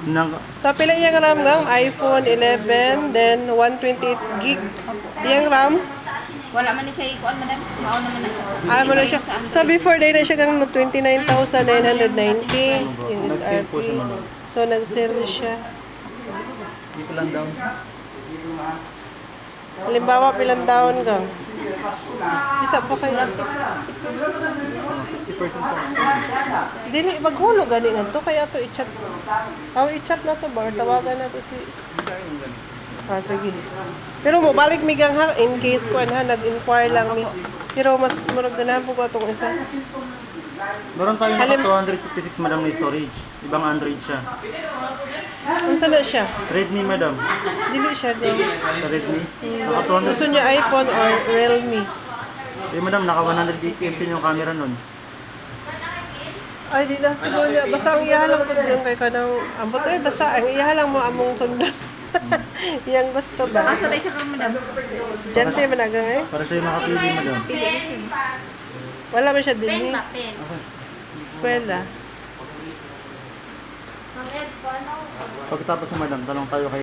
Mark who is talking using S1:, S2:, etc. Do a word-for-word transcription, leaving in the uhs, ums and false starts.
S1: Nang,
S2: So, pila yung RAM ng iPhone eleven, then one twenty-eight gig. Yung RAM,
S3: Wala man ni siya ikuan madam. Mao naman na.
S2: ah, mo na siya. So, before day na siya kang twenty-nine thousand nine hundred ninety yung
S1: nag-sale
S2: S R P.
S1: po siya madam.
S2: So, nag-sale siya.
S1: Dito lang down siya.
S2: Halimbawa, pilang taon kang? Isa pa kayo.
S1: fifty percent po.
S2: Dili, maghulog gani na to. Kaya to i-chat. Oh, i-chat na to ba? Or tawagan na to si... Ah, sige. Pero mo, balik mi gang ha, in case ko ha, nag-inquire lang mi. Pero mas murag ganahan po ko itong isa.
S1: Meron tayong naka
S2: Halim-
S1: two fifty-six madam na storage. Ibang Android siya.
S2: Unsa na siya?
S1: Redmi madam.
S2: Dili siya gang.
S1: Sa Redmi. Naka two hundred.
S2: Gusto niya iPhone or Realme.
S1: Eh madam, naka one hundred eighty megapixel yung camera nun.
S2: Ay, di na siguro niya. Basta ang iyahalang po yung kay kanang ambot. Eh, basta ang iyahalang mo among sundan. Yang gusto ba?
S3: Asa day siya kang madam?
S2: Estudyante man na gang eh.
S1: Para siya yung makapili madam.
S3: Pili siya.
S2: Wala man siya din
S3: Pen
S2: eh.
S3: ba pen?
S2: Eskwela.
S1: Pagkatapos mo madam, talong tayo kay